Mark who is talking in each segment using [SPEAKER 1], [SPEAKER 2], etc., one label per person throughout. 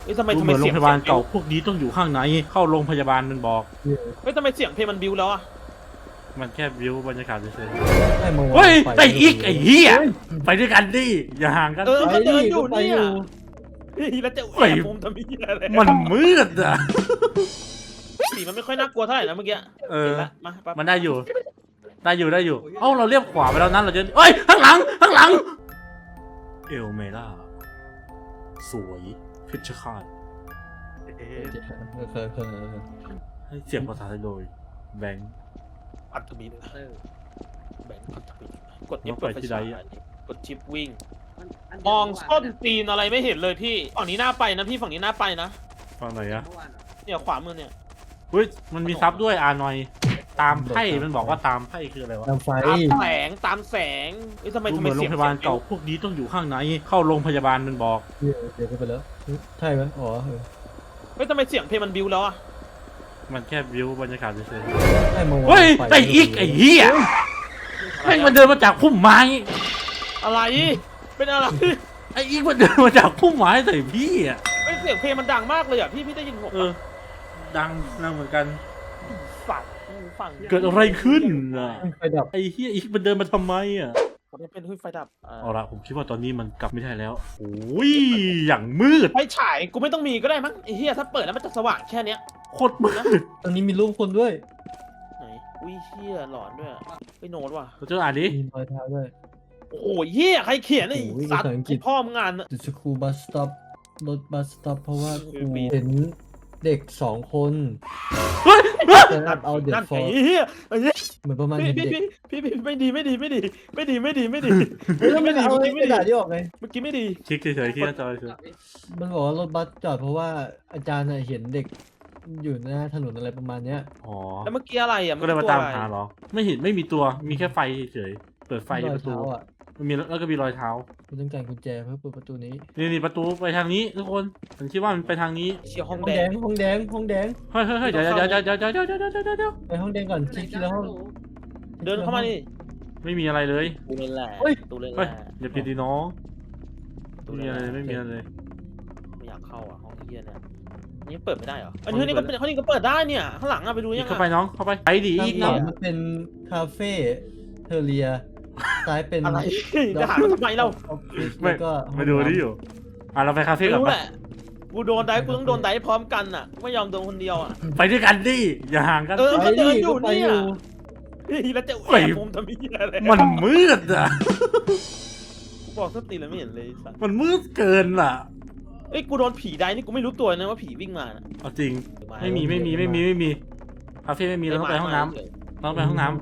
[SPEAKER 1] ฮ้ยทำไม
[SPEAKER 2] ดูเหมือนโร
[SPEAKER 1] เสี
[SPEAKER 2] ง
[SPEAKER 1] ยง
[SPEAKER 2] พยาบาลเก่าพวกนี้ต้องอยู่ข้างในเข้าโรงพยาบาลมันบอก
[SPEAKER 1] เฮ้ยทำไมเสียงเพลงมันบิ้วแล้วอะ
[SPEAKER 2] มันแค่วิวบรรยากาศเฉย
[SPEAKER 3] ไอ้เมื่อ
[SPEAKER 2] ๆ
[SPEAKER 3] วา
[SPEAKER 2] เฮ้ย
[SPEAKER 3] น
[SPEAKER 2] ไอ้อีกไอ้เหี้ยไปด้วยกันดิอย่าห่างกัน
[SPEAKER 1] เออ
[SPEAKER 3] ไป
[SPEAKER 1] ก็เดิน
[SPEAKER 3] ดิ
[SPEAKER 1] อยู่
[SPEAKER 3] ก็ไป
[SPEAKER 1] เนี่
[SPEAKER 3] อย ยู่
[SPEAKER 1] เฮ้ยแล้วจะ
[SPEAKER 2] เฮ้
[SPEAKER 1] แอย บมุมทำไมอะไร
[SPEAKER 2] มันมืดอ่ะ
[SPEAKER 1] สีมันไม่ค่อยน่ากลัวเท่าไหร่นะเมื่อกี้
[SPEAKER 2] เออ
[SPEAKER 1] ห็นละมาปั๊บ
[SPEAKER 2] มันได้อยู่เอ้าเราเรียบขวาไปแล้วนั้นเราจะเอ้ยข้างหลังเอลเมล่าสวยเพชรฆาต
[SPEAKER 3] เคย
[SPEAKER 2] ให้เสียงภาษาไทยโดยแบงค์
[SPEAKER 1] อัตมินแบงค์อัตมินกด
[SPEAKER 2] แล้ว
[SPEAKER 1] F
[SPEAKER 2] ไป
[SPEAKER 1] เปิดไฟ
[SPEAKER 2] ที่ใด
[SPEAKER 1] ฉาย
[SPEAKER 2] อะ
[SPEAKER 1] กดชิปวิ่งมองต้นตีนอะไรไม่เห็นเลยพี่ฝั่งนี้น่าไปนะพี่ฝั่งนี้น่าไปนะ
[SPEAKER 2] ฟังไหนอะ
[SPEAKER 1] เนี่ยขวามือเนี่ย
[SPEAKER 2] เฮ้ยมันมีซับด้วยหน่อยตามไพ่มันบอกว่าตามไพ่คืออะไรวะ
[SPEAKER 3] ตามไฟ
[SPEAKER 1] ตามแสงเฮ้ยทำไม
[SPEAKER 2] ดู
[SPEAKER 1] ทำ
[SPEAKER 2] เห
[SPEAKER 1] ไม
[SPEAKER 2] มือนโร
[SPEAKER 1] เสีย
[SPEAKER 2] ง
[SPEAKER 1] ง
[SPEAKER 2] พยาบาลเก่าพวกนี้ต้องอยู่ข้างในเข้าโรงพยาบาลมันบอก
[SPEAKER 3] เดี๋ยวไปแล้วใช่ไหมอ๋อ
[SPEAKER 1] เฮ้ยทำไมเสียงเพลงมันบิ้วแล้วอะ
[SPEAKER 2] มันแค่วิวบรรยากาศเฉย
[SPEAKER 3] ไอ้เมื่อ
[SPEAKER 2] ๆ
[SPEAKER 3] วาน
[SPEAKER 2] เฮ้ยไอ้อีกไอ้เหี้ยแม่งมันเดินมาจากพุ่มไม้
[SPEAKER 1] อะไรเป็นอะไร
[SPEAKER 2] ไอ้อีกมันเดินมาจากพุ่มไม้ใส่พี่อ่ะ
[SPEAKER 1] เฮ้ยเสียงเพลงมันดังมากเลยอ่ะพี่ได้ยินผม
[SPEAKER 2] เออดังเหมือนกัน
[SPEAKER 1] ฝั่ง
[SPEAKER 2] เกิดอะไรขึ้นอ่ะ
[SPEAKER 3] ไฟดับ
[SPEAKER 2] ไอ้เหี้ยอีกมันเดินมาทำไมอ่ะ
[SPEAKER 1] มันเป็นไฟดับ
[SPEAKER 2] เอาละผมคิดว่าตอนนี้มันกลับไม่ได้แล้วโอ้ยอย่างมืด
[SPEAKER 1] ไฟฉายกูไม่ต้องมีก็ได้มั้งไอ้เหี้ยถ้าเปิดแล้วมันจะสว่างแค่เนี้ย
[SPEAKER 2] โคตรมืด
[SPEAKER 3] ตรงนี้มีรูปคนด้วย
[SPEAKER 1] ไหนอุ้ยเหี้ยหลอนด้วยไปโน้ตว่ะ
[SPEAKER 2] เราจะอ่านดิ
[SPEAKER 3] มีรอยเท้าด้วย
[SPEAKER 1] โอ้โหเหี้ยใครเขียนไอ้
[SPEAKER 3] โอ้ย
[SPEAKER 1] สัตว์
[SPEAKER 3] ภาษาอังกฤษ
[SPEAKER 1] พ่อมึงงาน
[SPEAKER 3] The school bus stop รถบัสสต็อปเพราะว่าครู
[SPEAKER 1] คือมี
[SPEAKER 3] เห็นเด็ก2 คน
[SPEAKER 2] เฮ้ย
[SPEAKER 3] เดินเอาเด็ก
[SPEAKER 1] นั่น
[SPEAKER 3] ฟอ
[SPEAKER 1] ไอ้
[SPEAKER 3] ร์
[SPEAKER 1] เหี้ยไอ้เหี้ย
[SPEAKER 3] เหมือนประมาณ
[SPEAKER 1] พี่
[SPEAKER 3] เห็นเด็ก
[SPEAKER 1] พี่ไม่ดีไม่ดีไม่ดีไม่ดีไม่ดีไม่ดี
[SPEAKER 3] เฮ้ยแล้วมันเอาไอ้กระดาษที่ออกไง
[SPEAKER 1] เมื่อกี้ไม่ดี
[SPEAKER 2] คลิกเฉยๆที่หน้าจอเฉย
[SPEAKER 3] มันบอกว่ารถบัสจอดเพราะว่าอาจารย์น่ะเห็นเด็กอยู่หน้าถนนอะไรประมาณเนี้ย
[SPEAKER 2] ๆอ๋อ
[SPEAKER 1] แล้วเมื่อกี้อะไรอ่ะ
[SPEAKER 2] ก็เลยมาตามหาเหรอไม่เห็นไม่มีตัวมีแค่ไฟเฉยๆเปิดไฟ
[SPEAKER 3] รอย
[SPEAKER 2] ประตู
[SPEAKER 3] เท้าอ่ะ
[SPEAKER 2] มันมีแล้วก็มีรอยเท้า
[SPEAKER 3] คุณต้องการกุญแจเพื่อเปิดประตูนี้
[SPEAKER 2] นี่ประตูไปทางนี้ทุกคนผมคิดว่ามันไปทางนี้
[SPEAKER 1] เชียร์ห้อง
[SPEAKER 3] ห้อง
[SPEAKER 1] แด
[SPEAKER 3] แด
[SPEAKER 1] ง
[SPEAKER 3] งห้องแดงห้องแดง
[SPEAKER 2] เฮ้ยเดี๋ยว
[SPEAKER 3] ไปห้องแดงก่อนทีละห้อง
[SPEAKER 1] เดินเข้ามานี่
[SPEAKER 2] ไม่มีอะไรเลย
[SPEAKER 1] ตูเล่นแหละ
[SPEAKER 3] เฮ้ย
[SPEAKER 1] ตูเล่นแห
[SPEAKER 2] เฮ้ย
[SPEAKER 1] ละ
[SPEAKER 2] อย่าผิดดีน้อง
[SPEAKER 1] ตู
[SPEAKER 2] ไม่
[SPEAKER 1] เล่
[SPEAKER 2] มี
[SPEAKER 1] น
[SPEAKER 2] อะไร
[SPEAKER 1] แห
[SPEAKER 2] เล
[SPEAKER 1] ละ
[SPEAKER 2] ยไม่มีอะไรเลย
[SPEAKER 1] ไม่อยากเข้าอ่ะห้องเฮียเนี่ยนี่เปิดไม่ได้เหรออันนี้ก็เป็นห้องนี้ก็เปิดได้เนี่ยข้างหลังอ่ะไปดู
[SPEAKER 2] อี
[SPEAKER 1] ยั
[SPEAKER 2] ก
[SPEAKER 1] ง
[SPEAKER 2] เข้าไป
[SPEAKER 1] อ่ะ
[SPEAKER 2] น้องเข้าไปไปดี
[SPEAKER 3] ข้า
[SPEAKER 2] อี
[SPEAKER 3] ง
[SPEAKER 2] ก
[SPEAKER 3] ขวา
[SPEAKER 2] นะ
[SPEAKER 3] มันเป็นคาเฟ่เทอเรียซ้ายเป็น
[SPEAKER 1] อะไรจะหามันทำไมเรา
[SPEAKER 3] ออฟฟิศ
[SPEAKER 2] ไม่
[SPEAKER 3] แล้วก็ห้อง
[SPEAKER 2] มาดูนี่อยู่เราไปคาเฟ่
[SPEAKER 1] ไม่
[SPEAKER 2] กัน
[SPEAKER 1] รู้
[SPEAKER 2] ปะ
[SPEAKER 1] แหละกูโดนได้กูต้องโดนได้พร้อมกันอ่ะไม่ยอมโดนคนเดียวอ่ะ
[SPEAKER 2] ไปด้วยกันดิอย่าห่างกัน
[SPEAKER 1] เออ
[SPEAKER 3] ไปดิก็ไปอยู่
[SPEAKER 1] แล้วจะแอบมุมทำไมอะไร
[SPEAKER 2] มันมืดอ่ะ
[SPEAKER 1] กูบอกสติแล้วไม่เห็นเลยสัตว์
[SPEAKER 2] มันมืดเกินล่ะ
[SPEAKER 1] เอ้ยกูโดนผีได้นี่กูไม่รู้ตัวนะว่าผีวิ่งมา
[SPEAKER 2] เอาจริงไม่มีคาเฟ่ไม่มีเราต้องไปห้องน้ำเราต้องไปห้องน้ำ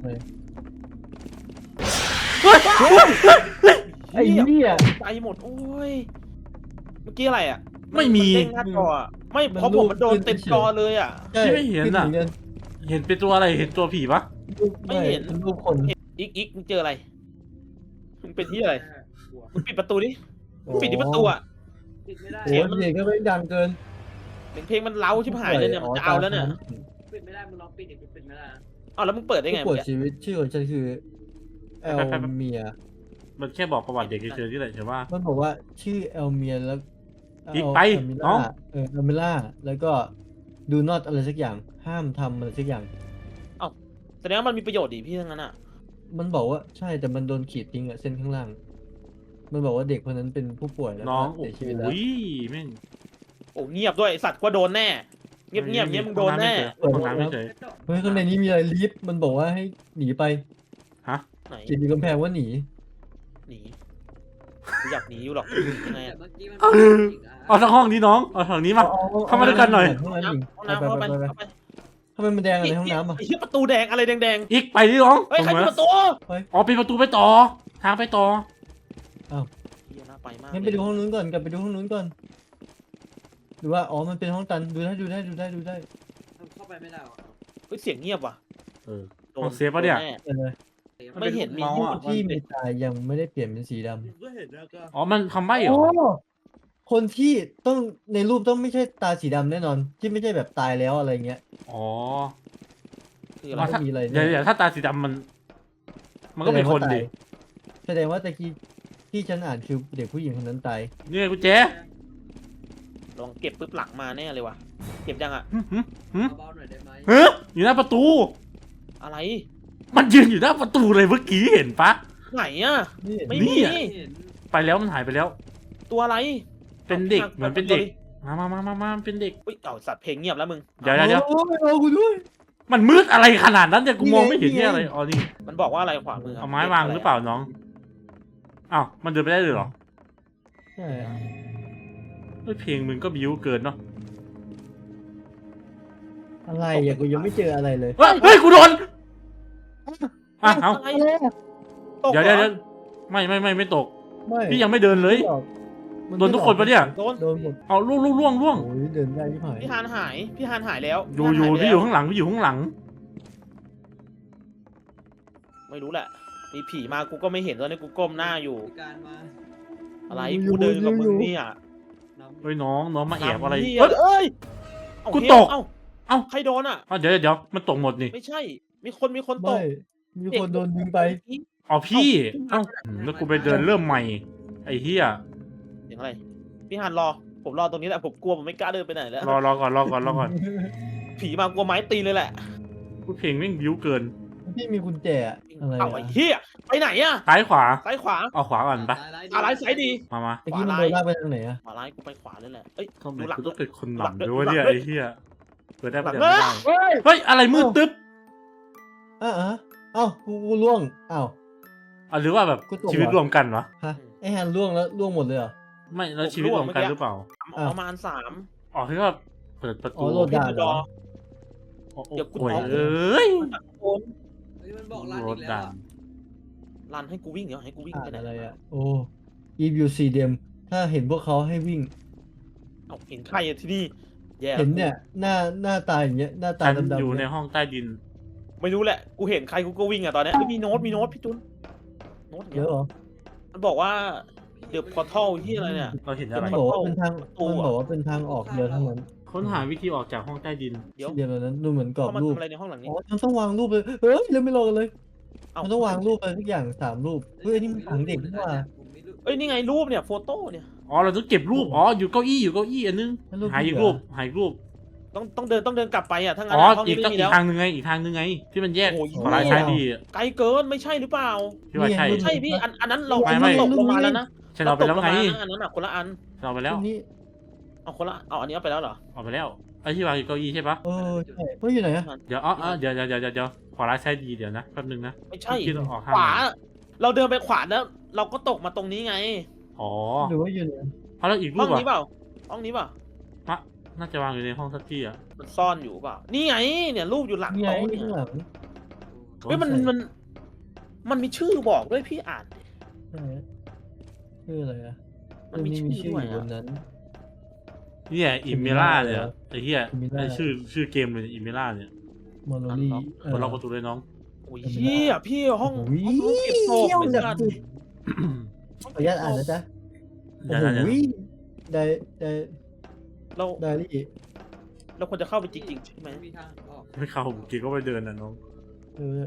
[SPEAKER 3] ไอ้เหี้ย
[SPEAKER 1] ใจหมดโอ้ยเมื่อกี้อะไรอ่ะ
[SPEAKER 2] ไม่มี
[SPEAKER 1] นเด้งหน้าจออะไม่เพราะผมมันโดนเต็มจอเลยอ่ะ
[SPEAKER 3] ใช่
[SPEAKER 2] ไม่เห็นอะ
[SPEAKER 3] ขึ้มืกั
[SPEAKER 2] เห็นเป็นตัวอะไรเห็นตัวผีปะ
[SPEAKER 1] ไม่เห็น
[SPEAKER 3] เป็นรูปคน
[SPEAKER 1] อีกมึงเจออะไรมึงเป็นที่อะไรมึงปิดประตูดิมึงปิดที่ประตูอ่ะ
[SPEAKER 4] ปิดไม่ได้
[SPEAKER 3] โอ้โหเสียงก็ไม่ดังเกิน
[SPEAKER 1] เสียงเพลงมันเล้าชิบหายเลยเนี่ยมันจะเอาแล้วเนี่ย
[SPEAKER 4] ปิดไม่ได้มึงลองปิดดิปิดไม่ได้นะ
[SPEAKER 1] เอาแล้วมึงเปิดได้ไง
[SPEAKER 3] ผู้ป่
[SPEAKER 1] เมื่
[SPEAKER 3] ว
[SPEAKER 1] อย กี้
[SPEAKER 3] ชีวิตชื่อของฉันคือเอลเมีย
[SPEAKER 2] มันแค่บอกประวัติเด็กเฉยๆที่ไหนใช่ว่า
[SPEAKER 3] มันบอกว่าชื่อเอลเมียแล้ว
[SPEAKER 2] อีกไป
[SPEAKER 3] เอลมิ
[SPEAKER 2] น้
[SPEAKER 3] ล่า
[SPEAKER 2] อง
[SPEAKER 3] เอลมิล่าแล้วก็ do not อะไรสักอย่างห้ามทำอะไรสักอย่าง
[SPEAKER 1] แสดงว่ามันมีประโยชน์ดิพี่ทั้งนั้นอ่ะ
[SPEAKER 3] มันบอกว่าใช่แต่มันโดนขีดทิ้งอะเส้นข้างล่าง มันบอกว่าเด็กคนนั้นเป็นผู้ป่วยแล้ว
[SPEAKER 2] น้อง
[SPEAKER 3] ก็
[SPEAKER 2] โอ้
[SPEAKER 3] เสีย
[SPEAKER 2] โห
[SPEAKER 3] ชีวิตแล้ว
[SPEAKER 2] แม่ง
[SPEAKER 1] โอ้เงียบด้วยไอ้สัตว์ก็โดนแน่เงียบเงียบมึงโดนแน่
[SPEAKER 2] ห้องน้ำไม่เฉย
[SPEAKER 3] เฮ้ยข้างในนี้มีอะไรลิฟต์มันบอกว่าให้หนีไป
[SPEAKER 2] ฮะ
[SPEAKER 1] ไหน
[SPEAKER 3] เขียนอยู่กำแพงว่าหนี
[SPEAKER 1] หนีกูอยากหนีอยู่หรอกยังไง
[SPEAKER 4] แต่
[SPEAKER 1] อะ
[SPEAKER 4] เมื่อกี้มันเป็นอีกอ่ะ
[SPEAKER 2] เอาทั้งห้องนี้น้องเอาทางนี้มา เข้ามาด้วยกันหน่อย
[SPEAKER 3] ห้องน้ำ
[SPEAKER 1] ห้องน้ำเข้าไปเข้าไป
[SPEAKER 3] ทำไมมันแดงอะไรห้องน้ำอ่ะ
[SPEAKER 1] ไอ้เหี้ยประตูแดงอะไรแดง
[SPEAKER 2] อีกไปดิน้อง
[SPEAKER 1] ๆเฮ้ยใคร
[SPEAKER 2] ตรง
[SPEAKER 1] ปิด
[SPEAKER 2] นั้น
[SPEAKER 1] ประตู
[SPEAKER 2] อ๋อปิดประตูไปต่อ ทางไปต่อ
[SPEAKER 1] เหี้ยน่าไปมาก
[SPEAKER 3] งั้นไปดูห้องนู้นก่อนกลับไปดูห้องนู้นก่อนหรือว่าอ๋อมันเป็นห้องตันดูได้
[SPEAKER 4] มันเข้าไปไม่ได้หรอ
[SPEAKER 1] เฮ้ยเสียงเงียบว่ะ
[SPEAKER 2] เออ
[SPEAKER 1] โดน
[SPEAKER 2] เอาเซฟปะเนี่ย
[SPEAKER 1] โดแ
[SPEAKER 3] เออเลย
[SPEAKER 1] ไม่เห็นมี
[SPEAKER 2] เมาส์
[SPEAKER 1] ที่
[SPEAKER 2] อะ
[SPEAKER 3] ที่มีตายังไม่ได้เปลี่ยนเป็นสีดำ
[SPEAKER 4] ก็เห็นแล้วก็
[SPEAKER 2] อ๋อมันคำใบ้เหรอ
[SPEAKER 3] คนที่ต้องในรูปต้องไม่ใช่ตาสีดำแน่นอน ที่ไม่ใช่แบบตายแล้วอะไรเงี้ย
[SPEAKER 2] อ๋อ
[SPEAKER 1] คืออะไร
[SPEAKER 3] ว่าถ้ามีอะไร
[SPEAKER 2] เดี๋ยวถ้าตาสีดำมันก็เป็นคนดิ
[SPEAKER 3] แสดงว่าตะกี้ที่ฉันอ่านคือเด็กผู้หญิงคนนั้นตาย
[SPEAKER 2] นี่ไงกุญแจ
[SPEAKER 1] ลองเก็บปุ๊บหลังมาแน่เลยว่ะเก็บยังอะ
[SPEAKER 4] เบาๆหน่อยได้ไหม
[SPEAKER 2] เฮ้ยอยู่หน้าประตู
[SPEAKER 1] อะไร
[SPEAKER 2] มันยืนอยู่หน้าประตูเลยเมื่อกี้เห็นปะ
[SPEAKER 1] ไหนอะ
[SPEAKER 3] นี่
[SPEAKER 1] ไม่
[SPEAKER 2] นี่
[SPEAKER 1] มี
[SPEAKER 2] อะ
[SPEAKER 4] เห็น
[SPEAKER 2] ไปแล้วมันหายไปแล้ว
[SPEAKER 1] ตัวอะไร
[SPEAKER 2] เป็นเด็กเหมือนเป็นเด็กมาเป็นเด็ก
[SPEAKER 1] อุ้ยเอาสัตว์เพลงเงียบแล้วมึง
[SPEAKER 2] เดี๋ยว
[SPEAKER 3] โอ้ยเอากูด้วย
[SPEAKER 2] มันมืดอะไรขนาดนั้นเนี่ยกูมองไม่เห็น
[SPEAKER 3] นี่ไง
[SPEAKER 2] เนี่ยอะไรอ๋อนี่
[SPEAKER 1] มันบอกว่าอะไรขวามือ
[SPEAKER 2] เอาไม้วางหรือเปล่าน้องอ้าวมันเดินไปได้เลยเหรอ
[SPEAKER 3] ใช่
[SPEAKER 2] เฮ้ยเพลงมึงก็บิ้วเกินเนาะ
[SPEAKER 3] อะไรอ่ะกูยังไม่เจออะไรเลย
[SPEAKER 2] เฮ้ยกูโดนอ่ะเอา
[SPEAKER 1] อะไร
[SPEAKER 3] อะไรอะ
[SPEAKER 1] ตก
[SPEAKER 2] เดี๋ยว
[SPEAKER 1] หรอ
[SPEAKER 2] ไม่ตก
[SPEAKER 3] ไม่
[SPEAKER 2] พี่ยังไม่เดินเลย
[SPEAKER 3] มั
[SPEAKER 2] โดนทุกคนปะเนี่ย
[SPEAKER 1] โดน
[SPEAKER 3] โดนหมด
[SPEAKER 2] เอาล่วง
[SPEAKER 3] โอ้ยเดินได้ที่หาย
[SPEAKER 1] พี่ฮานหายพี่ฮานหายแล้ว
[SPEAKER 2] อยู่
[SPEAKER 1] พี่
[SPEAKER 2] พี่อยู่ข้างหลังพี่อยู่ข้างหลัง
[SPEAKER 1] ไม่รู้แหละมีผีมากูก็ไม่เห็นตอนนี้กูก้มหน้าอยู่
[SPEAKER 4] มีการมา
[SPEAKER 1] อะไรกูเดินกับมึงเนี่ย
[SPEAKER 4] นำ
[SPEAKER 2] เฮ้ยน้องมาแอบอะไร
[SPEAKER 1] นำพี่
[SPEAKER 2] เฮ้ย
[SPEAKER 1] เอ้ยเอา
[SPEAKER 2] กู
[SPEAKER 1] เฮ้ย
[SPEAKER 2] ตก
[SPEAKER 1] เอ้า
[SPEAKER 2] เอ้า
[SPEAKER 1] ใครโดนอ่ะ
[SPEAKER 2] เดี๋ยวมันตกหมดนี่
[SPEAKER 1] ไม่ใช่ มีคนต
[SPEAKER 3] ไม่
[SPEAKER 1] ก
[SPEAKER 3] มีคนโดนยิงไป
[SPEAKER 2] อ๋อพี่เอ้าแล้วกูไปเดินเริ่มใหม่ไอ้เหี้ย
[SPEAKER 1] เสียงอะไรพี่ฮานรอผมรอตรงนี้แหละผมกลัวผมไม่กล้าเดินไปไหนแล้ว
[SPEAKER 2] รอก่อน
[SPEAKER 1] ผีมากลัวไม้ตีเลยแหละ
[SPEAKER 2] กูเพลงแม่งบิ้วเกิน
[SPEAKER 3] พี่มีกุญแจอะอะไร
[SPEAKER 1] เอ้า
[SPEAKER 3] อะ
[SPEAKER 1] ไอ้เหี้ยไปไหนอ่ะ
[SPEAKER 2] ซ้ายขวา
[SPEAKER 1] ซ้ายขวา
[SPEAKER 2] เอาขวาก่อนปะ
[SPEAKER 1] อะไรซ้ายดี
[SPEAKER 3] ตะกี้มันโดนลากไปทางไหนอะ
[SPEAKER 1] ขวาร้ายกูไปขวาเลยแหละเอ้ย
[SPEAKER 2] ทำไม
[SPEAKER 1] ดูหลัง
[SPEAKER 2] กูต้องเป็นคนหลัง
[SPEAKER 1] หลัง
[SPEAKER 2] ด้วยวะเนี่ย
[SPEAKER 1] หลัง
[SPEAKER 2] ไอ้เหี้ยเปิดได้
[SPEAKER 1] หลั
[SPEAKER 2] ปะ
[SPEAKER 1] ง
[SPEAKER 2] เดี๋ยวไม่ได้
[SPEAKER 3] เฮ้ย
[SPEAKER 2] เฮ้ยอะไรมืดตึ๊บ
[SPEAKER 3] อ่ะเอ้ากูล่วงอ้าว
[SPEAKER 2] หรือว่าแบบ
[SPEAKER 3] กูตก
[SPEAKER 2] ชีวิต
[SPEAKER 3] เหรอ
[SPEAKER 2] รวมกันวะ
[SPEAKER 3] ฮะไอ้ฮันล่วงแล้วล่วงหมดเลยเหรอ
[SPEAKER 2] ไม่แล้วชีวิตรวมกันหรือเปล่า
[SPEAKER 1] ประมาณ3
[SPEAKER 2] อ๋อที่ว่าเปิดประ
[SPEAKER 3] อ๋
[SPEAKER 2] ตู
[SPEAKER 3] อโหลดด่านเหรอ
[SPEAKER 2] โอ้โห
[SPEAKER 1] เดี๋ยวกู
[SPEAKER 2] โอ้ย
[SPEAKER 1] เอา
[SPEAKER 2] เอ้ย
[SPEAKER 1] คน
[SPEAKER 4] เฮ้ยมันบอกร้าน
[SPEAKER 2] ร
[SPEAKER 4] อี
[SPEAKER 2] ถ
[SPEAKER 4] กแล้ว
[SPEAKER 2] ด่าน
[SPEAKER 4] อะ
[SPEAKER 1] รันให้กูวิ่งเดี๋ยวให้กูวิ่ง
[SPEAKER 3] อ่า
[SPEAKER 1] ไป
[SPEAKER 3] น
[SPEAKER 1] ไหน
[SPEAKER 3] อะไรอะโอ้อีวิวซีเดมถ้าเห็นพวกเขาให้วิ่ง
[SPEAKER 1] เอาเห็นใครอะที่นี่แย่
[SPEAKER 3] เห็นเนี่ยหน้าตาอย่างเงี้ยหน้าตา
[SPEAKER 2] ฉัน
[SPEAKER 3] ดำๆ
[SPEAKER 2] อยู่ใน
[SPEAKER 3] เนี่ย
[SPEAKER 2] ห้องใต้ดิน
[SPEAKER 1] ไม่รู้แหละกูเห็นใครกูก็วิ่งอะตอนเนี้ยเฮ้ยมีโน้ตพี่จุนโน้ต
[SPEAKER 3] เยอะเหรอ
[SPEAKER 1] มันบอกว่าเดี๋ยวพอทัลที่อะไรเนี่ย
[SPEAKER 2] เราเห็น
[SPEAKER 3] มั
[SPEAKER 2] อะไร
[SPEAKER 3] นบอกว่าเป็นทาง
[SPEAKER 1] ประตู
[SPEAKER 3] มัน
[SPEAKER 1] อะ
[SPEAKER 3] บอกว่าเป็นทางออกเดียวเท่านั้น
[SPEAKER 2] ค้นหาวิธีออกจากห้องใต้ดิน
[SPEAKER 1] เดี๋ยว
[SPEAKER 3] เดียวนั้นดูเหมือนกรอบ
[SPEAKER 1] เข้ามา
[SPEAKER 3] รูป
[SPEAKER 1] ทำอะไรในห้องหลังนี้
[SPEAKER 3] อ๋อมันต้องวางรูปเลยเฮ้ยเร็วไม่รอกันเลย
[SPEAKER 1] เอ้า
[SPEAKER 3] มันต้องวางรูปไปทุกอย่าง3 รูปเฮ้ยอันนี่มันฝังเด็กนี่หว่า
[SPEAKER 4] ผมไม่รู้
[SPEAKER 1] เอ้ยนี่ไงรูปเนี่ยโฟโต้เนี่ย
[SPEAKER 2] อ๋อเราต้องเก็บรูปอ๋ออยู่เก้าอี้อันนึง
[SPEAKER 3] แล้วรูป
[SPEAKER 2] หาอีก
[SPEAKER 3] ที่เหลือ
[SPEAKER 2] รูปหาอีกรูป
[SPEAKER 1] ต้องเดินกลับไปอะถ้างั้น
[SPEAKER 2] อ๋อ
[SPEAKER 1] ห้อง
[SPEAKER 2] อี
[SPEAKER 1] นี้
[SPEAKER 2] กต้อง
[SPEAKER 1] ไม่มี
[SPEAKER 2] อี
[SPEAKER 1] แล้
[SPEAKER 2] ก
[SPEAKER 1] ว
[SPEAKER 2] ทางนึงไงที่มันแยก
[SPEAKER 1] โอ้ย
[SPEAKER 2] ขวาซ้ายดี
[SPEAKER 1] ไกลเกินไม่ใช่หรือเปล่า
[SPEAKER 2] พี่ว่าใช่
[SPEAKER 3] นี่ไง
[SPEAKER 1] ใช่พี่อันนั้นเรา
[SPEAKER 2] ไม่
[SPEAKER 1] ตกลงมาแล้วนะ
[SPEAKER 2] ฉันเอาไปแล้วไง
[SPEAKER 1] ตกงมานะอันนั้นอะคนละอัน
[SPEAKER 2] เราไปแล้ว
[SPEAKER 3] รูปนี้
[SPEAKER 1] เอาคนละเอาอันนี้เอาไปแล้วเหรอ
[SPEAKER 2] เอาไปแล้วไอ้ที่วางอยู่เก้าอี้ใช่ปะ
[SPEAKER 3] เออใช่เฮ้ยอยู่ไหนอะ
[SPEAKER 2] เดี๋ยวเดี๋ยวขวาซ้ายดีเดี๋ยวนะแป๊บนึงนะ
[SPEAKER 1] ไม่ใช่
[SPEAKER 2] คิดว่าออก
[SPEAKER 1] ข
[SPEAKER 2] ข้าง
[SPEAKER 1] วา เราเดินไปขวาแล้ว เราก็ตกมาตรงนี้ไง
[SPEAKER 2] อ๋อ
[SPEAKER 3] หรือว่าอยู่ไหน
[SPEAKER 2] เอาแล้วอีกรู
[SPEAKER 1] ห้อ
[SPEAKER 2] ป
[SPEAKER 1] งนี้เป
[SPEAKER 2] อ่ะ
[SPEAKER 1] ล่าห้องนี้เปล่า
[SPEAKER 2] น่าจะวางอยู่ในห้องสักที่อ่ะ
[SPEAKER 1] มันซ่อนอยู่เปล่านี่ไงเนี่ยรูปอยู่หลัง
[SPEAKER 3] นี่ไง
[SPEAKER 1] โต๊ะเนี่ย
[SPEAKER 3] ข้างหลัง
[SPEAKER 1] เฮ้ยมันมีชื่อบอกด้วยพี่อ่านดิ
[SPEAKER 3] ใช่ชื่ออะไรอะ
[SPEAKER 1] มันมี
[SPEAKER 3] มี
[SPEAKER 1] ชื่
[SPEAKER 3] ชื่
[SPEAKER 1] อ
[SPEAKER 3] อ
[SPEAKER 1] ด้วย
[SPEAKER 3] อยู่บ
[SPEAKER 1] อะ
[SPEAKER 3] นนั้น
[SPEAKER 2] เนี่ยอิมเมล่าเนี่ยไอ้เหี้ย
[SPEAKER 3] Imela
[SPEAKER 2] ไอ้ชื่อเกมเลยอิมเมล่าเนี่ย
[SPEAKER 3] มอลลี่
[SPEAKER 2] กดล็อกประตูเลยน้อง
[SPEAKER 1] โอ้ยเฮียพี่ห้อง
[SPEAKER 3] โอ้ย
[SPEAKER 1] ห้องเก็บศพ
[SPEAKER 3] เที่ยว
[SPEAKER 1] เหมือน
[SPEAKER 3] แบบ
[SPEAKER 1] กัน
[SPEAKER 3] สุดขออนุญาตอ่านนะจ๊ะโอ้
[SPEAKER 2] เดี๋ยว
[SPEAKER 3] โหได้
[SPEAKER 1] เรา
[SPEAKER 3] ไดอารี่
[SPEAKER 1] เราควรจะเข้าไปจริงๆใช่ไหม
[SPEAKER 4] ไม่มีทางออก
[SPEAKER 2] ไม่เข้าเกีก็ไปเดินนะน้อง
[SPEAKER 3] เออ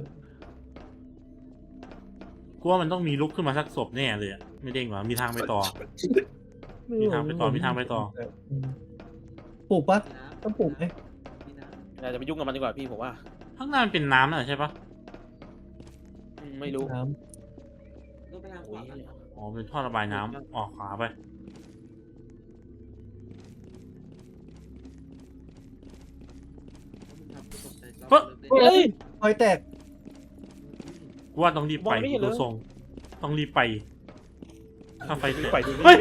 [SPEAKER 2] กูว่ามันต้องมีลุกขึ้นมาสักศพแน่เลยอ่ะไม่เด้งหรอมีทางไปต่อ มีทางไปต่อมีทางไปต่อ
[SPEAKER 3] ปลูกปะ
[SPEAKER 4] มีน้ำ
[SPEAKER 3] ต้องปลูกไหม
[SPEAKER 4] มีน้ำ
[SPEAKER 1] เราจะไปยุ่งกับมันดีกว่าพี่ผมว่า
[SPEAKER 2] ข้างหน้ามันเป็นน้ำน่ะใช่ปะ
[SPEAKER 1] ไม่รู้
[SPEAKER 3] น้
[SPEAKER 4] ต้องไปทางข
[SPEAKER 1] โอ้
[SPEAKER 4] วาย กัน
[SPEAKER 2] อ๋อเป็นท่อระบายน้ำออกขวาไป
[SPEAKER 1] เฮ้ย
[SPEAKER 3] ำไฟแตก
[SPEAKER 2] กูว่าต้องรีบไป
[SPEAKER 1] มองไม่เห็นเลย
[SPEAKER 2] ดูทรงต้องรีบไปถ้าไฟ
[SPEAKER 1] ไปดู
[SPEAKER 2] เฮ้ย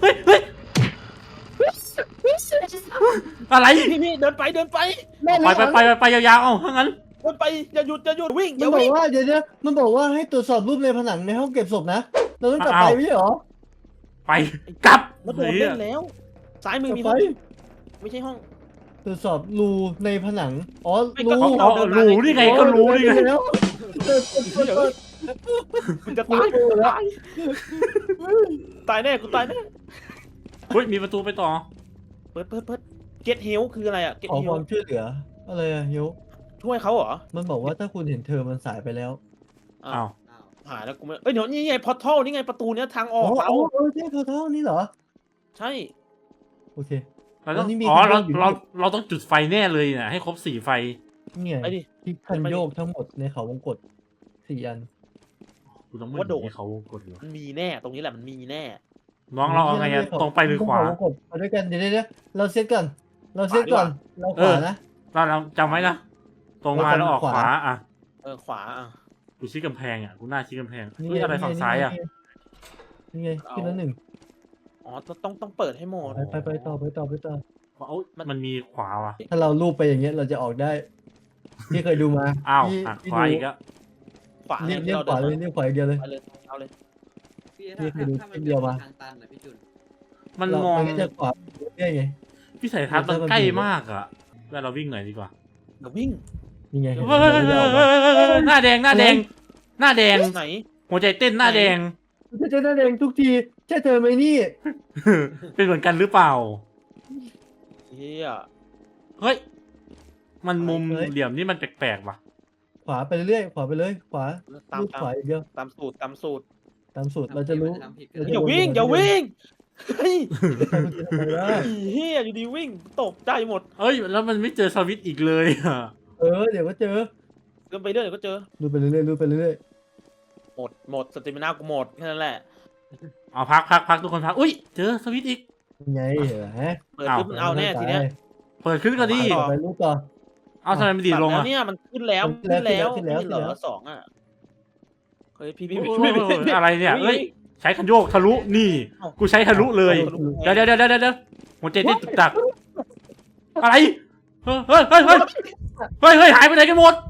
[SPEAKER 2] อะไร
[SPEAKER 1] พี่เดินไป
[SPEAKER 2] ไปยาวๆเอ้าถ้างั้น
[SPEAKER 1] เดินไปอย่าหยุดวิ่งอ
[SPEAKER 3] มัน
[SPEAKER 1] ย่า
[SPEAKER 3] บอก
[SPEAKER 1] วิ่ง
[SPEAKER 3] ว่าเดี๋ยวมันบอกว่าให้ตรวจสอบรูปในผนังในห้องเก็บศพนะ เราต้องกลับไปไม่ใช่หรอ
[SPEAKER 2] ไปกลับ
[SPEAKER 1] แล้วโดนเล่นแล้วซ้ายมือก
[SPEAKER 3] ลับ
[SPEAKER 1] มี
[SPEAKER 3] ไป
[SPEAKER 1] ห้องไม่ใช่ห้อง
[SPEAKER 3] ตรวจสอบรูในผนัง อ๋อ
[SPEAKER 1] ไม่ก็
[SPEAKER 3] รู
[SPEAKER 2] อ๋อรู้นี่ไงก็รู้นี่ไง
[SPEAKER 3] แล้ว
[SPEAKER 1] คุณจะตายตายแน่กูตายแน่
[SPEAKER 2] เฮ้ยมีประตูไปต่อ
[SPEAKER 1] เปิดเก็ตเฮลคืออะไรอะเก็ต
[SPEAKER 3] ขอ
[SPEAKER 1] เฮ
[SPEAKER 3] ค
[SPEAKER 1] ล
[SPEAKER 3] วามช่วยเหลือ อะไรอะโยก
[SPEAKER 1] ช่วยเขาเหรอ
[SPEAKER 3] มันบอกว่าถ้าคุณเห็นเธอมันสายไปแล้ว
[SPEAKER 1] อ้า
[SPEAKER 2] อ้าว ว
[SPEAKER 4] อ้าว
[SPEAKER 1] หายแล้วกูไม่เอ้ยเดี๋ยวนี่ไงพอทัลนี่ไงประตูเนี้ยทางออกเรา
[SPEAKER 3] ใช่เธอเท่านี้เหรอ
[SPEAKER 1] ใช่
[SPEAKER 3] โอเค
[SPEAKER 2] เราต้อง
[SPEAKER 3] แล้วนี่มี
[SPEAKER 2] อ๋อ
[SPEAKER 3] คันโย
[SPEAKER 2] เรา
[SPEAKER 3] กอยู่
[SPEAKER 2] เราต้องจุดไฟแน่เลยเนี่ยให้ครบ4 ไฟ
[SPEAKER 3] เนี่ย
[SPEAKER 1] ไปดิ
[SPEAKER 3] ที่คันโยกทั้งหมดในเขาวงกต4 อัน
[SPEAKER 2] กูต้องไม่
[SPEAKER 1] ว่าโดด
[SPEAKER 2] ให้เขากดเหรอ
[SPEAKER 1] มันมีแน่ตรงนี้แหละมันมีแน่
[SPEAKER 2] น้องเราเอาไงอะตรงไปหรือขวา
[SPEAKER 3] เขวงกตไปด้วยกันเดี๋ยวเราเซตก่อนเราเซตก่อนเราขวานะ
[SPEAKER 2] เราจำไว้นะตรงมาแล้วออกขวาอ่ะ
[SPEAKER 1] ขวาอ่ะ
[SPEAKER 2] กูชี้กำแพงอ่ะกูหน้าชี้กำแพงเฮ้ยอะไรฝั่งซ้ายอ่ะ
[SPEAKER 3] นี่ไงขึ้นแล้วหนึ่ง
[SPEAKER 1] อ๋อต้องเปิดให้หมด
[SPEAKER 3] ไปต่อ
[SPEAKER 2] เอ้ามันมีขวาว่ะ
[SPEAKER 3] ถ้าเราลูบไปอย่างเงี้ยเราจะออกได้พี่เคยดูมา
[SPEAKER 2] อ้าว
[SPEAKER 3] พี่
[SPEAKER 2] อ่ะ
[SPEAKER 3] พี่
[SPEAKER 2] ขวา
[SPEAKER 3] ดู
[SPEAKER 2] อีกอ่ะ
[SPEAKER 1] ขวา
[SPEAKER 3] เรียกขวาเลยเรียกขวาอย่างเดียวเลย
[SPEAKER 1] ไปเลยเอาเลย
[SPEAKER 4] พี่
[SPEAKER 3] พี่เคยดู
[SPEAKER 4] ถ้า
[SPEAKER 3] คลิปเดียวมา
[SPEAKER 4] ทางตันนะพี่จุน
[SPEAKER 2] มัน
[SPEAKER 3] เรา
[SPEAKER 2] มอง
[SPEAKER 3] ไม่จะขวาเรื่อยไง
[SPEAKER 2] วิสัยทัศน์มันใกล้มากอ่ะแล้วเราวิ่งหน่อยดีกว่า
[SPEAKER 1] เดี๋ยววิ่ง
[SPEAKER 3] นี่ไง
[SPEAKER 2] เฮ้ยหน้าแดงหน้าแดงหน้าแดง
[SPEAKER 1] ไหน
[SPEAKER 2] หัวใจเต้นหน้าแดง
[SPEAKER 3] จะเจอหน้าแดงทุกทีใช่เธอไหมนี่
[SPEAKER 2] เป็นเหมือนกันหรือเปล่า
[SPEAKER 1] เฮีย
[SPEAKER 2] เฮ้ยมันมุมเหลี่ยมนี่มันแปลกๆว่ะ
[SPEAKER 3] ขวาไปเรื่อยขวาไปเลยขวา
[SPEAKER 1] ตาม
[SPEAKER 3] ลูบขวาอย่างเดียว
[SPEAKER 1] ตามสูตรตามสูตร
[SPEAKER 3] ตามสูตรเราจะรู้
[SPEAKER 4] ทำผิด
[SPEAKER 3] เราจะ
[SPEAKER 1] อย่าวิ่งอย่าวิ่งเฮ้ย
[SPEAKER 3] ใครมันจะทำอะไรได้
[SPEAKER 1] เฮียอยู่ดีวิ่งตกใจหมด
[SPEAKER 2] เอ้ยแล้วมันไม่เจอสวิตช์อีกเลยอ่ะ
[SPEAKER 3] เดี๋ยวก็เจอ
[SPEAKER 1] เดินไปเรื่อยเดี๋ยวก็เจอ
[SPEAKER 3] ดูไปเรื่อยดูไปเรื่อย
[SPEAKER 1] หมดสเตมินากูหมดแค่นั้นแหละ
[SPEAKER 2] เอาพักทุกคนพักอุ้ยเจอสวิตช์อีก
[SPEAKER 3] ไงเหรอฮะ
[SPEAKER 1] เปิดปุ๊บมันเอาแน่ทีเนี้ย
[SPEAKER 2] เปิดขึ้นก็ดี
[SPEAKER 3] ต่อไปลูกต่อ
[SPEAKER 2] เอาทำไมมันดีดลง
[SPEAKER 1] ตั
[SPEAKER 2] อ่ะ
[SPEAKER 1] แล้วเนี่ยมันขึ้นแล้ว
[SPEAKER 3] ขึ้นแล้ว
[SPEAKER 1] ขึ้นเหรอสองอ่ะเฮ้ยพี่
[SPEAKER 2] โอ้ยอะไรเนี่ยเอ้ยใช้คันโยกทะลุนี่
[SPEAKER 1] เอ้า
[SPEAKER 2] กูใช้ทะลุเลยเดี๋ยวหัวใจเต้นตึกตักอะไรเฮ้ยหายไปไหนกันหมด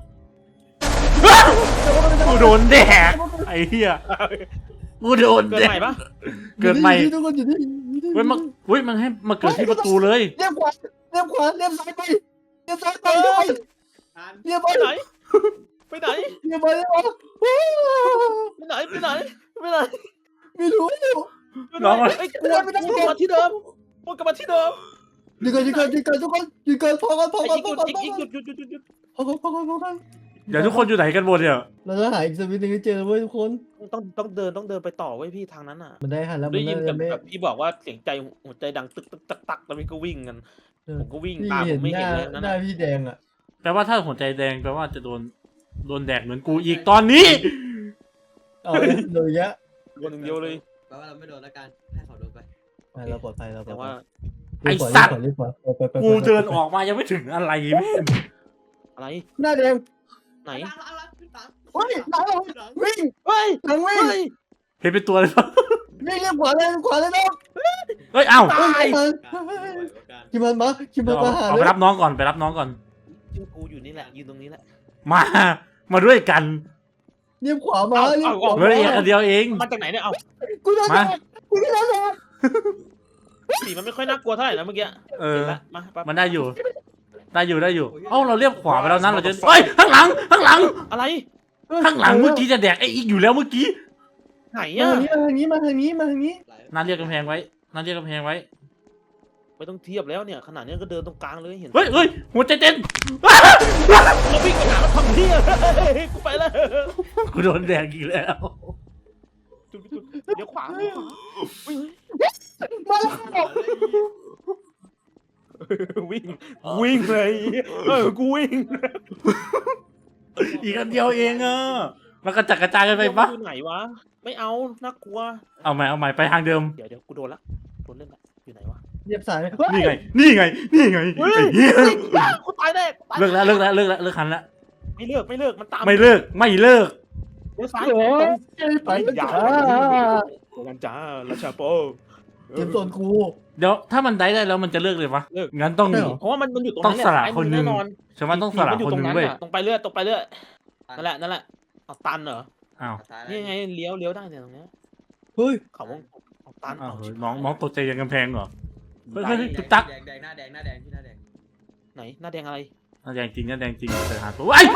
[SPEAKER 2] กูโดนแดกไอ้เหี้ยกูโดน
[SPEAKER 1] เกิด
[SPEAKER 2] แด
[SPEAKER 1] ใหม่
[SPEAKER 2] ก
[SPEAKER 1] ปะ
[SPEAKER 2] เกิดใหม่
[SPEAKER 3] ทุกคนอยู่นี่
[SPEAKER 2] เฮ้ยมันให้มาเกิดที่ประตูเลย
[SPEAKER 3] เรียบขวาเรียบซ้ายไปเรียบซ้ายไปด้วย
[SPEAKER 4] ทัน
[SPEAKER 3] เรียบ
[SPEAKER 1] ไป
[SPEAKER 3] ไป
[SPEAKER 1] ไหนไปไหน
[SPEAKER 3] เรียบไปเรียบไป
[SPEAKER 1] ไปไหนไปไหนไปไหน
[SPEAKER 3] ไม่รู้
[SPEAKER 2] น้อง
[SPEAKER 1] ไอ้กลัวกลับมาที่เดิมกลับมาที่เดิม
[SPEAKER 3] หยุดก่อนทุกคนหยุดก่อนพอก่อน
[SPEAKER 1] อีกหยุดหยุด
[SPEAKER 3] พอก่อน
[SPEAKER 2] เดี๋ยวทุกคนอยู่ไหนกันหมดเนี่ย
[SPEAKER 3] เราจะหาอีกสวิตช์หนึงให้เจอเว้ยทุกคน
[SPEAKER 1] ต้องเดินไปต่อไว้พี่ทางนั้นอ่ะ
[SPEAKER 3] มันได้หันแล้วมั
[SPEAKER 1] ได้
[SPEAKER 3] น
[SPEAKER 1] ยิน
[SPEAKER 3] น่าจะไม่
[SPEAKER 1] กับพี่บอกว่าเสียงใจหัวใจดังตึกตักแล้วพี่ก็วิ่งกันผมก็วิ่ง
[SPEAKER 3] พี่
[SPEAKER 1] ตามผ
[SPEAKER 3] เห็น
[SPEAKER 1] มไม่
[SPEAKER 3] ห
[SPEAKER 1] เห็
[SPEAKER 3] น้าน
[SPEAKER 1] เลยนั่น
[SPEAKER 3] หน้า
[SPEAKER 1] น่ะ
[SPEAKER 3] พี่แดงอ่ะ
[SPEAKER 2] แปลว่าถ้าหัวใจแดงแปลว่าจะโดนแดกเหมือนกูอีกตอนนี้
[SPEAKER 3] เอาเลยเลยยะ
[SPEAKER 1] คนหนึ่งเดียวเลย
[SPEAKER 4] แปลว่าเราไม่โดนแล้วกันให้เขาโดนไป
[SPEAKER 3] เราปลอดภัยเราปล
[SPEAKER 1] แต่
[SPEAKER 3] อดภั
[SPEAKER 1] ว่า
[SPEAKER 3] ย
[SPEAKER 2] ไอ้สัตว์
[SPEAKER 3] รีบขวาไป
[SPEAKER 2] กูเดินออกมายังไม่ถึงอะไรแม่ง
[SPEAKER 1] อะไร
[SPEAKER 3] หน้าแดง
[SPEAKER 1] ไหน
[SPEAKER 3] เฮ้ยหลังวิ่ง
[SPEAKER 1] เฮ้ย
[SPEAKER 3] หลังวิ่ง
[SPEAKER 1] เฮ้ย
[SPEAKER 2] เห็นเป็นตัวเลยปะ
[SPEAKER 3] วิ่งเรียบขวาเลยนะ
[SPEAKER 2] เฮ้ยเอ้า
[SPEAKER 1] ตาย
[SPEAKER 3] คิมันมาหา
[SPEAKER 2] เอา
[SPEAKER 3] เล
[SPEAKER 2] ไป
[SPEAKER 3] ย
[SPEAKER 2] รับน้องก่อนไปรับน้องก่อน
[SPEAKER 1] กูอยู่นี่แหละยืนตรงนี้แหละ
[SPEAKER 2] มาด้วยกัน
[SPEAKER 3] เรียบขวามาเรียบขวา
[SPEAKER 2] เฮ้ยอันเดียวเอง
[SPEAKER 1] มาจากไหนเนี่ยเอา
[SPEAKER 3] กูโดนแดกกูโดนแดก
[SPEAKER 1] สีมันไม่ค่อยน่ากลัวเท่าไหร่นะเมื่อกี้
[SPEAKER 2] เออ
[SPEAKER 1] เห็นละมาปั๊บ
[SPEAKER 2] มันได้อยู่เอ้าเราเรียบขวาไปแล้วนั้นเราจะเฮ้ยข้างหลัง
[SPEAKER 1] อะไร
[SPEAKER 2] ข้างหลังเมื่อกี้จะแดกไอ้อีกอยู่แล้วเมื่อกี้
[SPEAKER 1] ไหน
[SPEAKER 3] มา
[SPEAKER 1] อ่ะ
[SPEAKER 3] ทางนี้
[SPEAKER 2] น่าเรียกกำแพงไว้
[SPEAKER 1] ไม่ต้องเทียบแล้วเนี่ยขนาดนี้ก็เดินตรงกลางเลยเห็น
[SPEAKER 2] เฮ้ยหัวใจเต้น
[SPEAKER 1] เราวิ่งไปหาแล้วทำเที่ยกูไปแล้ว
[SPEAKER 2] กูโดนแดกอีกแล้ว
[SPEAKER 1] จุดเดี๋ยวขวา
[SPEAKER 3] มาแล้ว
[SPEAKER 1] วิ่งเลยกูวิ่ง
[SPEAKER 2] อีกอันเดียวเองอ่ะมันกระจัดกระจายกันไปปะ
[SPEAKER 1] อยู่ไหนวะไม่เอาน่ากลัว
[SPEAKER 2] เอาใหม่ไปทางเดิม
[SPEAKER 1] เดี๋ยวกูโดนละโดนเล่นละอยู่ไหนวะ
[SPEAKER 3] เรียบสาย
[SPEAKER 2] นี่ไงไอ้เหี้ย
[SPEAKER 1] กูตายแน่
[SPEAKER 2] เลิกแล้วคันละ
[SPEAKER 1] ไม่เลิกมันตาม
[SPEAKER 2] ไม่เลิก
[SPEAKER 1] เลี้ยวซ้าย
[SPEAKER 3] ไป
[SPEAKER 1] อย่า
[SPEAKER 3] จ้า
[SPEAKER 1] กันจ้าราชาโป
[SPEAKER 3] เก็บส่วนกู
[SPEAKER 2] เดี๋ยวถ้ามันได้แล้วมันจะเลิกเลยวะ
[SPEAKER 1] เลิก
[SPEAKER 2] งั้นต้อง
[SPEAKER 3] ใช่เหรอ
[SPEAKER 1] เพราะว่ามันอยู่ตรง
[SPEAKER 2] ต้อ
[SPEAKER 1] นั้
[SPEAKER 2] ง
[SPEAKER 1] นแหละ
[SPEAKER 2] สละคนหนึ่ง
[SPEAKER 1] แน่นอน
[SPEAKER 2] ฉันว่าต้องสละคนหนึ่งเว้ย
[SPEAKER 1] ตรงไปเรื่อยนั่นแหละเอาตันเหรอ
[SPEAKER 2] อ้าว
[SPEAKER 1] นี่ไงเลี้ยวได้เนี่ยตรงเนี้ย
[SPEAKER 3] เฮ้ย
[SPEAKER 1] เขาวงเอาตัน
[SPEAKER 2] อ้าว
[SPEAKER 1] เอา
[SPEAKER 2] เฮ้ยน้องตกใจยังกำแพงเหรอเฮ้ยตุ๊กตัก
[SPEAKER 4] แดงหน้าแดงพี่หน้าแดง
[SPEAKER 1] ไหนหน้าแดงอะไร
[SPEAKER 2] แดงจริงแต่หาตัวไอ้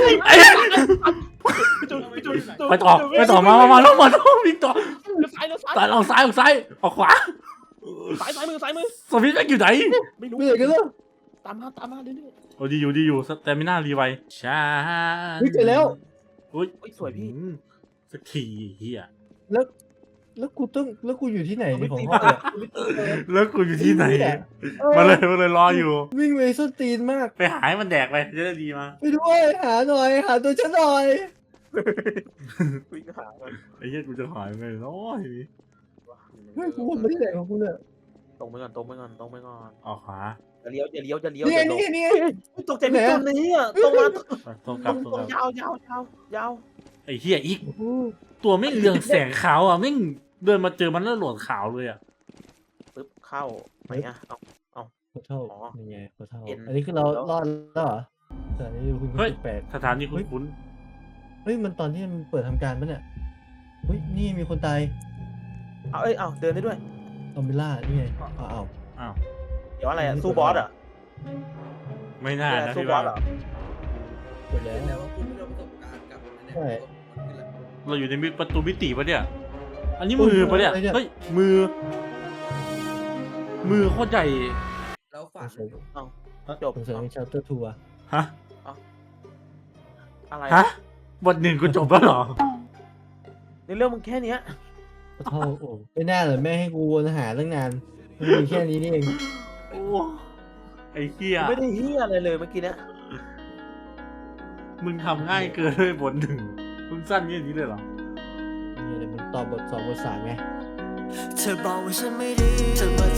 [SPEAKER 2] ไปต่อมาแล้วมาวิ่งต่อ
[SPEAKER 1] เลี้ยวซ้าย
[SPEAKER 2] ตายออกซ้ายออกขวา
[SPEAKER 1] ซ้ายมือ
[SPEAKER 2] สวิตช์อยู่ไหน
[SPEAKER 1] ไม่รู้
[SPEAKER 3] ไม่เลยกันแล้ว
[SPEAKER 1] ตามมาเรื่อย
[SPEAKER 2] โอ้ดีอยู่แต่ไม่น่ารีไวช้า
[SPEAKER 3] เฮ้ยเจอแล้ว
[SPEAKER 2] อุ้ย
[SPEAKER 1] ๆสวยพี่
[SPEAKER 2] สักทีเฮีย
[SPEAKER 3] แล้วแล้วกูอยู่ที่ไหนในของห้องเนี่ย
[SPEAKER 2] แล้วกูอยู่ที่ไหน
[SPEAKER 3] เออ
[SPEAKER 2] มาเลยรออยู่
[SPEAKER 3] วิ่งไปส้นตีนมาก
[SPEAKER 2] ไปหาให้มันแดกไปจะได้ดีมา
[SPEAKER 3] ไปด้วยหาหน่อยหาตัวฉันหน่อย
[SPEAKER 1] วิ่งหามัน
[SPEAKER 2] ไอ้เหี้ยกูจะหายไปน้อย
[SPEAKER 3] เฮ้ยกูไม่ได้ไหนของกูเนี่ย
[SPEAKER 1] ตรงไปก่อนตรงไปก่อนตรงไปก่อน
[SPEAKER 2] ออกขวา
[SPEAKER 1] จะเลี้ยวจะเลี้ยวจะเลี้ยว
[SPEAKER 3] นี่ไง
[SPEAKER 1] จะล
[SPEAKER 3] นี่
[SPEAKER 1] ง
[SPEAKER 3] ไงนี่ไง
[SPEAKER 1] ตกใจพี่จุนนี่อ่ะตรงมา
[SPEAKER 2] ตรง
[SPEAKER 1] ต
[SPEAKER 2] ก
[SPEAKER 1] ร
[SPEAKER 2] ลับ
[SPEAKER 1] ง
[SPEAKER 2] ตรง
[SPEAKER 1] ตรง
[SPEAKER 2] กลับ
[SPEAKER 1] ยาว
[SPEAKER 2] ไอ้เหี้ยอีก
[SPEAKER 3] โอ้โห
[SPEAKER 2] ตัวไม่งเรืองแสงขาวอ่ะไม่งเดินมาเจอมันแล้วโหลดขาวเลยอ่ะ
[SPEAKER 1] ปึ๊บเข้าไหนอ่ะเอา
[SPEAKER 3] ขอเท่า
[SPEAKER 1] อ๋อ
[SPEAKER 3] นี่ไงขอเท่า
[SPEAKER 1] เห็น
[SPEAKER 3] อันนี้คือเรารอดแล้วเหรอแต่อันนี้คุณ
[SPEAKER 2] เฮ้ย
[SPEAKER 3] แปลก
[SPEAKER 2] สถานีคุ้น
[SPEAKER 3] เฮ้ยมันตอนที่มันเปิดทำการปะเนี่ยเฮ้ยนี่มีคนตาย
[SPEAKER 1] เอาเดินได้ด้วย
[SPEAKER 3] ซอมบิล่านี่ไงอ้าว
[SPEAKER 2] ๆอ้าว
[SPEAKER 1] เดี๋ยวอะไรอ่ะสู้บอสอ่ะ
[SPEAKER 2] ไม่น่านะ
[SPEAKER 1] สู้
[SPEAKER 2] พี่
[SPEAKER 1] บอ
[SPEAKER 2] ว่า
[SPEAKER 1] สเหรอ
[SPEAKER 3] จบแล้ว
[SPEAKER 4] แล้วว่าคุณไม่ได้ประสบการณ์กับอันเนี้ย
[SPEAKER 3] ใช่
[SPEAKER 2] เราอยู่ในประตูมิติปะเนี่ย อันนี้มือปะเนี่ย
[SPEAKER 3] อะไรเนี่ย
[SPEAKER 2] เฮ้ยมือโคตรใหญ่
[SPEAKER 4] แล้วฝัน
[SPEAKER 1] จบ
[SPEAKER 3] สงสัยเป็นชาร์เตอร์ทัวร์
[SPEAKER 2] ฮะ
[SPEAKER 1] อะไร
[SPEAKER 2] ฮะบทหนึ่งกูจบแล้วเหรอ
[SPEAKER 1] ในเรื่องมึงแค่เนี้ย
[SPEAKER 3] ขอเท่าโอ้ไม่น่าเลยแม่ให้กูวนหาตั้งนานมันมีแค่นี้นี่เอง
[SPEAKER 2] โอ้ไอ้เหี้ย
[SPEAKER 1] ไม่ได้เฮียอะไรเลยเมื่อกี้เนี้ย
[SPEAKER 2] มึงทำง่ายเกินเลยบทหนึ่งมึงสั้นแค่นี้เลยเหรอ
[SPEAKER 3] นี่เลยมันตอนบท2 บท 3ไง
[SPEAKER 5] เธอบอกว่าฉันไม่ดีเธอมา